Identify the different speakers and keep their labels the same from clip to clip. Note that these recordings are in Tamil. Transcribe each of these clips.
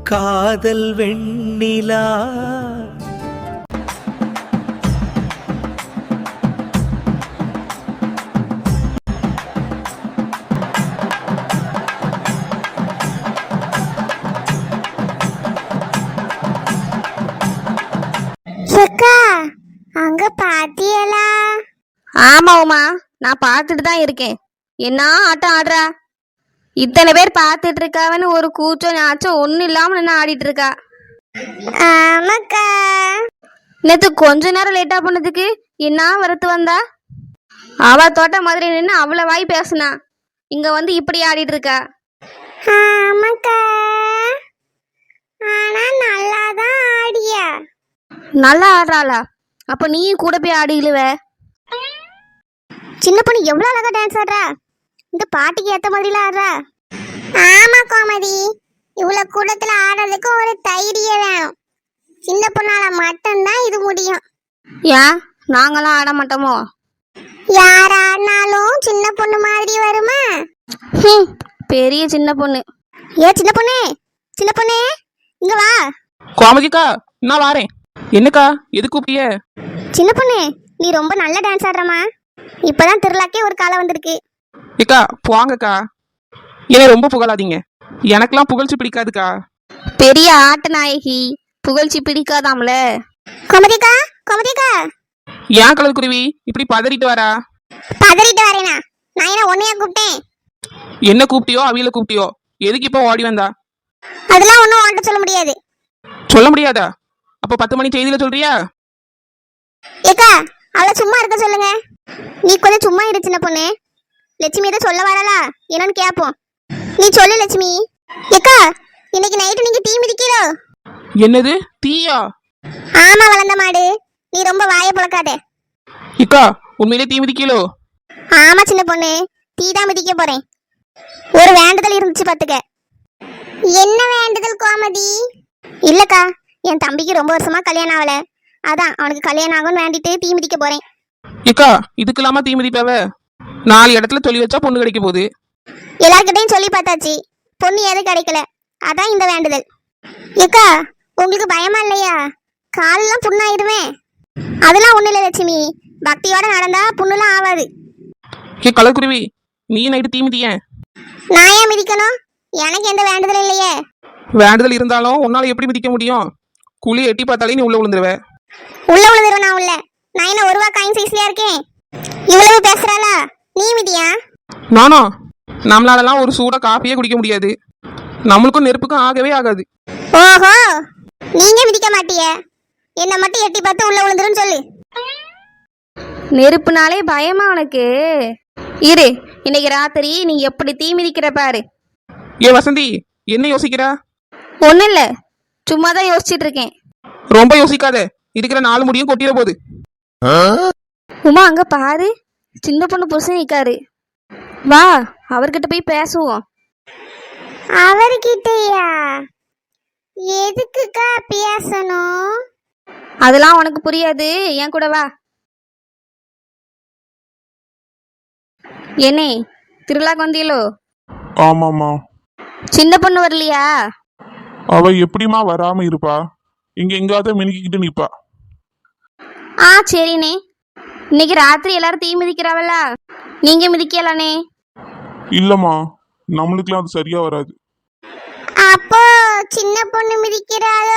Speaker 1: காதல் வெண்ணிலா
Speaker 2: அக்கா அங்க பாத்தியலா?
Speaker 3: ஆமா உமா, நான் பார்த்துட்டு தான் இருக்கேன். என்ன ஆட்டம் ஆடுறா! இத்தனை பேர் பார்த்துட்டு இருக்காவன்னு ஒரு கூச்சம் நாச்சம் ஒன்றும் இல்லாம நின்று ஆடிட்டு இருக்கா.
Speaker 2: ஆமாக்கா.
Speaker 3: நேற்று கொஞ்ச நேரம் லேட்டா பண்ணதுக்கு என்ன வரத்து வந்தா? அவ தோட்ட மாதிரி நின்று அவ்வளோ வாய் பேசுனா, இங்க வந்து இப்படி ஆடிட்டு இருக்கா.
Speaker 2: ஆமாக்கா, ஆனா நல்லாதான் ஆடியா.
Speaker 3: நல்லா ஆடுறாளா? அப்ப நீயும் கூட போய் ஆடிடுவ.
Speaker 2: சின்ன பொண்ணு எவ்வளவு அழகா டான்ஸ் ஆடுறா. இந்த பாட்டுக்கு ஏத்த மாதிரிலாம் ஆடுறா. ஆமா கோமதி, இவ்வளவு கூட்டத்துல ஆடுறதுக்கு ஒரு தைரியம் வேணும். சின்ன பொண்ணால மட்டும்தான் இது முடியும்.
Speaker 3: ஏன் நாங்களாம் ஆட மாட்டோமோ?
Speaker 2: யார் ஆடினாலும் சின்ன பொண்ணு மாதிரி வருமா?
Speaker 3: பெரிய சின்ன பொண்ணு.
Speaker 2: ஏ சின்ன பொண்ணு, சின்ன பொண்ணு இங்க வா.
Speaker 4: கோமதிக்கா, நான் வாரேன். என்னக்கா, எது கூப்பிய?
Speaker 2: சின்ன பொண்ணு, நீ ரொம்ப நல்ல டான்ஸ் ஆடுறமா. இப்பதான் திருவிழாக்கே ஒரு காலம் வந்திருக்கு.
Speaker 4: ஏக்கா போங்கக்கா, என்னை ரொம்ப புகழாதீங்க. எனக்கெல்லாம் புகழ்ச்சி பிடிக்காதுக்கா.
Speaker 3: பெரிய ஆட்ட நாயகி, புகழ்ச்சி பிடிக்காதாம்ல.
Speaker 2: கோமதிக்கா, கோமதிக்கா.
Speaker 4: ஏன் கலர் குருவி இப்படி பதறிட்டு வரா?
Speaker 2: பதறிட்டு வரேனா? நான் என்ன உன்னையா கூப்பிட்டேன்?
Speaker 4: என்ன கூப்பிட்டியோ அவியில கூப்பிட்டியோ, எதுக்கு இப்போ ஓடி வந்தா?
Speaker 2: அதெல்லாம் ஒன்றும் உன்கிட்ட சொல்ல முடியாது.
Speaker 4: சொல்ல முடியாதா? அப்போ 10 மணி செய்தியில சொல்றியா?
Speaker 2: ஏக்கா, அவளை சும்மா இருக்க சொல்லுங்க. நீ கொஞ்சம் சும்மா இரு சின்ன பொண்ணு. லட்சுமி எதை சொல்ல வரலா என்னன்னு கேட்போம். நீ சொல்லு லட்சுமி. ஏக்கா, இன்னைக்கு நைட்டு நீங்க டீ மிதிக்கிறோ?
Speaker 4: என்னது தீயா?
Speaker 2: ஆமா வளர்ந்த மாடு, நீ ரொம்ப வாயை புழக்காத.
Speaker 4: இக்கா, உண்மையிலே தீ மிதிக்கலோ?
Speaker 2: ஆமா சின்ன பொண்ணு, டீ தான் மிதிக்க போறேன். ஒரு வேண்டுதல் இருந்துச்சு பாத்துக்க. என்ன வேண்டுதல் கோமதி? இல்லக்கா, என் தம்பிக்கு ரொம்ப வருஷமா கல்யாணம் ஆகல. அதான் அவனுக்கு கல்யாணம் ஆகும்னு வேண்டிட்டு தீ மிதிக்க போறேன்.
Speaker 4: இக்கா, இதுக்கெல்லாமா தீ மிதிப்பாவ? 4 இடத்துல சொல்லி வச்சா பொண்ணு கிடைக்க போகுது.
Speaker 2: எல்லார்கிட்டையும் சொல்லி பார்த்தாச்சு, பொண்ணு எதுவும் கிடைக்கல. அதான் இந்த வேண்டுதல். ஏக்கா, உங்களுக்கு பயமா இல்லையா? காலெல்லாம் புண்ணாயிருவேன். அதெல்லாம் ஒண்ணு இல்லை லட்சுமி, பக்தியோட நடந்தா புண்ணுலாம் ஆகாது.
Speaker 4: ஏ கலர் குருவி, நீ நைட்டு தீ மிதிய?
Speaker 2: நான் ஏன் மிதிக்கணும்? எனக்கு எந்த வேண்டுதல் இல்லையே.
Speaker 4: வேண்டுதல் இருந்தாலும் உன்னால எப்படி மிதிக்க முடியும்? குழி எட்டி பார்த்தாலே நீ உள்ள விழுந்துருவ.
Speaker 2: உள்ள விழுந்துருவ? நான் உள்ள, நான் என்ன ஒரு ரூபா காயின் சைஸ்லயா இருக்கேன்? இவ்வளவு பேசுறாளா? நீ மிதியா?
Speaker 4: நானா? நம்மளாலலாம் ஒரு சூட காஃபியே குடிக்க முடியாது. நம்மளுக்கும் நெருப்புக்கும் ஆகவே ஆகாது.
Speaker 2: ஓஹோ, நீங்க மிதிக்க மாட்டிய, என்ன மட்டும் எட்டி பார்த்து உள்ள விழுந்துரும் சொல்லு.
Speaker 3: நெருப்புனாலே பயமா உனக்கு? இரு, இன்னைக்கு ராத்திரி நீ எப்படி தீ மிதிக்கிற பாரு.
Speaker 4: ஏ வசந்தி, என்ன யோசிக்கிறா?
Speaker 3: ஒன்றும் இல்லை, சும்மா தான் யோசிச்சுட்டு இருக்கேன்.
Speaker 4: ரொம்ப யோசிக்காத, இருக்கிற 4 முடியும் கொட்டிட போகுது.
Speaker 3: உமா அங்க பாரு, சின்ன பொண்ணு புருஷன் நிக்காரு. வா, அவர்கிட்ட போய் பேசுவோம்.
Speaker 2: அவர்கிட்டயா? எதுக்குக்கா பேசணும்?
Speaker 3: அதெல்லாம் உனக்கு புரியாது, என் கூட வா. என்னே, திருவிழாக்கு வந்தீங்களோ?
Speaker 5: ஆமாம்மா.
Speaker 3: சின்ன பொண்ணு வரலையா?
Speaker 5: அவ எப்படிமா வராம இருப்பா? இங்க எங்காவது மினுக்கிட்டு நிப்பா.
Speaker 3: சரிண்ணே. இன்னைக்கு ராத்திரி எல்லாரும் தீ மிதிக்கிறாவல்ல, நீங்க மிதிக்கலானே?
Speaker 5: இல்லம்மா, நம்மளுக்குலாம் அது சரியா வராது.
Speaker 2: அப்போ சின்ன பொண்ணு மிதிக்கிறாளோ?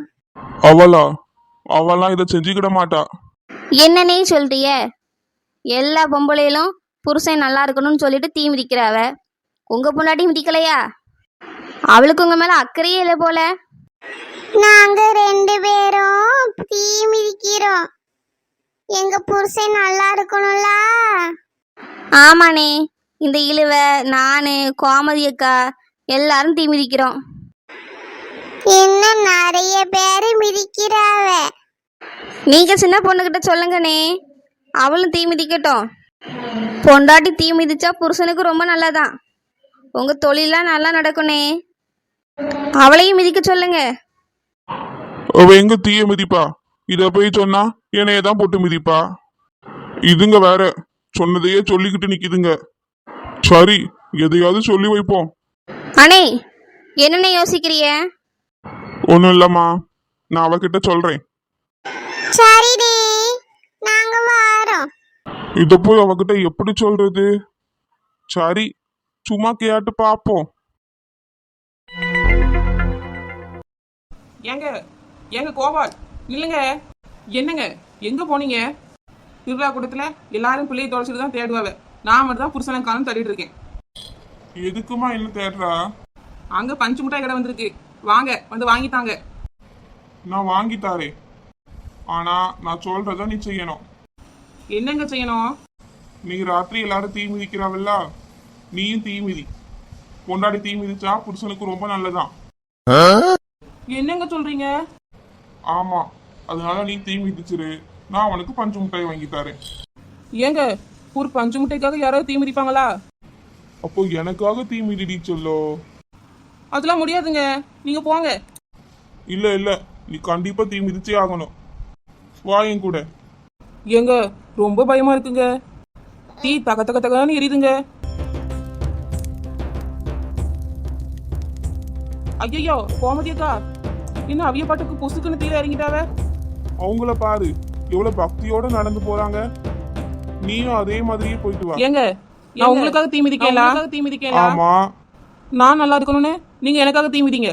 Speaker 5: அவெல்லாம் இதை செஞ்சுக்கிட மாட்டா.
Speaker 3: என்னன்னே சொல்றிய? எல்லா பொம்பளையிலும் புருஷன் நல்லா இருக்கணும்னு சொல்லிட்டு தீ மிதிக்கிறாவ. உங்க பொண்டாட்டி மிதிக்கலையா? அவளுக்கு உங்க மேல அக்கறையே இல்லை போல.
Speaker 2: நாங்க 2 பேரும் தீ மிதிக்கிறோம். எங்க புருஷன் நல்லா இருக்கணும்ல.
Speaker 3: ஆமாண்ணே, இந்த இழுவ நானு கோமதி அக்கா எல்லாரும் தீ மிதிக்கிறோம்.
Speaker 2: இன்னும் நிறைய பேரு மிதிக்கிறாவ.
Speaker 3: நீங்க சின்ன பொண்ணுகிட்ட சொல்லுங்கண்ணே, அவளும் தீ மிதிக்கட்டும். பொண்டாட்டி தீ மிதிச்சா புருஷனுக்கு ரொம்ப நல்லதான். உங்க தொழிலாம் நல்லா நடக்கும்னே, அவளையும் மிதிக்க சொல்லுங்க.
Speaker 5: அவ எங்க தீய மிதிப்பா? இத போய் சொன்னா என்னையதான் போட்டு மிதிப்பா. இதுங்க வேற சொன்னதையே சொல்லிக்கிட்டு நிக்குதுங்க. சரி, எதையாவது சொல்லி வைப்போம்.
Speaker 3: அண்ணே, என்னென்ன யோசிக்கிறிய?
Speaker 5: ஒன்றும் இல்லைம்மா, நான் அவகிட்ட சொல்கிறேன்.
Speaker 2: சரிடி, நாங்க வாரோம்.
Speaker 5: இதை போய் அவகிட்ட எப்படி சொல்றது? சரி, சும்மா கேட்டு பார்ப்போம்.
Speaker 4: ஏங்க கோபால், இல்லைங்க. என்னங்க, எங்க போனீங்க? திருவிழா கூட்டத்துல எல்லாரும் பிள்ளையை தொலைச்சிட்டு தான் தேடுவாங்க. நான் மட்டும் தான் புருஷனை காலம் தேடிட்டு இருக்கேன்.
Speaker 5: எதுக்குமா என்ன தேடுறா?
Speaker 4: அங்க பஞ்சு மிட்டாய் கடை வந்திருக்கு, வாங்க வந்து வாங்கித்தாங்க.
Speaker 5: நான் வாங்கி தாரேன், ஆனா நான் சொல்றத நீ செய்யணும்.
Speaker 4: என்னங்க செய்யணும்?
Speaker 5: நீ ராத்திரி எல்லாரும் தீ மிதிக்கிறாவில்ல, நீயும் தீ மிதி. பொண்டாடி தீ மிதிச்சா புருஷனுக்கு ரொம்ப நல்லதான்.
Speaker 4: என்னங்க சொல்றீங்க?
Speaker 5: ஆமா, அதனால நீ தீ மிதிச்சிரு, நான் அவனுக்கு பஞ்சு மிட்டாய் வாங்கி தரேன்.
Speaker 4: ஏங்க, ஒரு பஞ்சு மிட்டாய்க்காக யாராவது தீ மிதிப்பாங்களா?
Speaker 5: அப்போ எனக்காக தீ மிதிடி சொல்லோ.
Speaker 4: அதெல்லாம் முடியாதுங்க, நீங்க போங்க.
Speaker 5: இல்ல இல்ல, நீ கண்டிப்பா தீ மிதிச்சே ஆகணும். வா என் கூட.
Speaker 4: ஏங்க, ரொம்ப பயமா இருக்குங்க. தீ தக தக தகன்னு எரியுதுங்க. ஐயோ கோமதி அக்கா, இன்னும் அவிய பாட்டுக்கு பொசுக்குன்னு தீர இறங்கிட்டாவ.
Speaker 5: அவங்கள பாரு, எவ்வளவு பக்தியோட நடந்து போறாங்க. நீயும் அதே மாதிரியே போயிட்டு வா.
Speaker 4: ஏங்க, நான் உங்களுக்காக தீ மிதிக்கலாம்.
Speaker 5: ஆமா,
Speaker 4: நான் நல்லா இருக்கணும்னு நீங்க எனக்காக தீ மிதிங்க.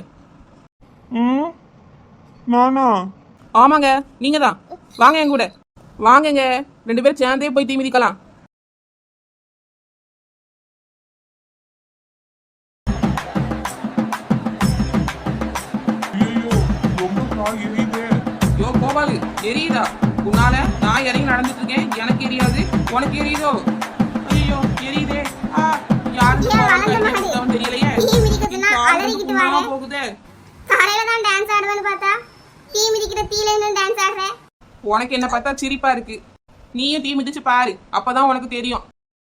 Speaker 5: நானா?
Speaker 4: ஆமாங்க, நீங்க தான். வாங்க என் கூட வாங்கங்க, 2 பேரும் சேர்ந்தே போய் தீ மிதிக்கலாம்.
Speaker 5: ஐயோ, ரொம்ப கால் எரியுதே.
Speaker 4: யோ கோபாலு, எரியுதா? உன்னால நான் இறங்கி நடந்துட்டு இருக்கேன், எனக்கு எரியாது, உனக்கு எரியுதோ? ஐயோ எரியுதே. யாருக்கு தெரியலையே.
Speaker 2: தீ மிதிக்கிறதுனா அலறிக்கிட்டு வாரே.
Speaker 4: போகுதே.
Speaker 2: காலையில தான் டான்ஸ் ஆடுவேன்னு பார்த்தா தீ மிதிக்கிற தீல இருந்து டான்ஸ் ஆடுறேன்.
Speaker 4: உனக்கு என்ன பார்த்தா சிரிப்பா இருக்கு. நீயும் தீ மிதிச்சு பாரு, அப்பதான் உனக்கு தெரியும்.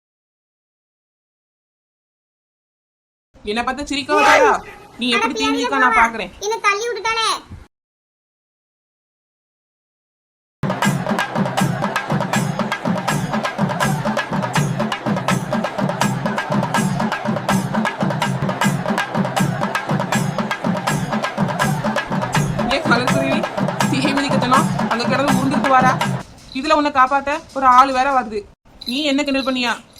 Speaker 4: என்ன பார்த்தா சிரிக்க வராதா? நீ எப்படி தீ மிதிக்க நான் பாக்குறேன்.
Speaker 2: என்ன தள்ளி விட்டுட்டாளே.
Speaker 4: தீ மிதிக்கத்தனா அங்க கிடந்து உருந்துட்டு வாரா. இதுல உன்னை காப்பாத்த ஒரு ஆள் வேற வருது. நீ என்ன கிண்டல் பண்ணியா?